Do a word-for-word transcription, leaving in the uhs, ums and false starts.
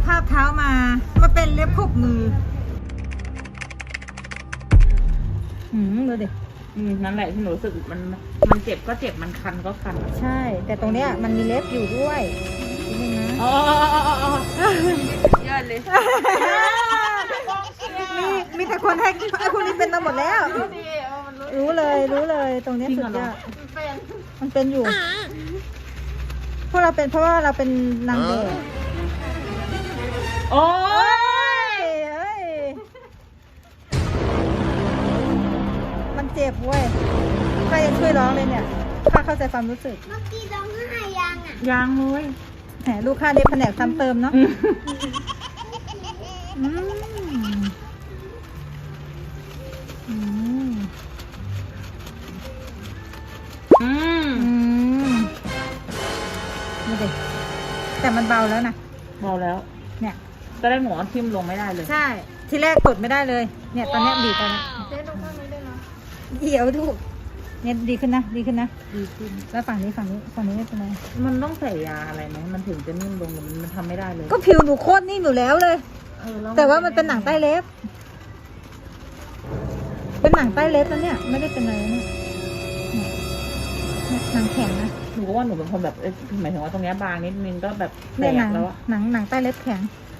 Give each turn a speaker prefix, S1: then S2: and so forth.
S1: ภาพเท้ามามาเป็นเล็บขบมือหืมดูดิ
S2: อืมนั่นแหละที่หนูรู้สึกมันมันเจ็บก็เจ็บมันคันก็คัน
S1: ใช่ แต่ตรงเนี้ยมันมีเล็บอยู่ด้วยนี่นะ
S2: อ๋ออ๋อ
S3: ยอดเลย
S1: มีมีแต่คนให้ไอ้คนนี้เป็นมาหมดแล้ว รู้เลยรู้เลยตรงเนี้ยสุดยอดมันเป็นอยู่เพราะเราเป็นเพราะว่าเราเป็นนางแบบ
S2: โอ้ย
S1: เอ้ยมันเจ็บเว้ยใครจะช่วยร้องเลยเนี่ยข้าเข้าใจความรู้สึก
S3: เมื่อกี้ร้องไห้ยังอ่ะ
S2: ยางเลย
S1: แหมลูกค้าเด็กแผนกซ้ำเติมเนาะอืมอืม
S2: อืม
S1: อืมนี่ดิแต่มันเบาแล้วนะ
S2: เบาแล้ว
S1: เนี่ย
S2: ก็ได้หนูเอาทิ่มลงไม่ได้เลย
S1: ใช่ ที่แรกกดไม่ได้เลย เนี่ยตอนเนี้ยบีบไปแล้ว
S3: เจ๊ดูข้างนี้ได้ไหม
S1: เดี๋ยวดูเนี่ยดีขึ้นนะ ดีขึ้นนะ
S2: ดีขึ้น
S1: แล้วฝั่งนี้ฝั่งนี้ฝั่งนี้ไม่เป็นไร
S2: มันต้องใส่ยาอะไรไหมมันถึงจะนิ่มลงหรือมันมันทำไม่ได้เลย
S1: ก็ผิวหนูโคตรนิ่มอยู่แล้วเลย
S2: เออล้
S1: แต่ว่ามันเป็นหนังใต้เล็บ เป็นหนังใต้เล็บแล้วเนี่ย ไม่ได้เป็นอะไรนะเนี่ยเนี่ยหนังแข็งนะ
S2: หนูก็ว่าหนูเป็นคนแบบเอ้ยหมายถึงว่าตรงเนี้ยบางนิดนึงก็แบบแต
S1: เนี่ยหนั
S2: ก
S1: ง
S2: แล้วอะ
S1: หนังหนังใต้เล็บแข็ง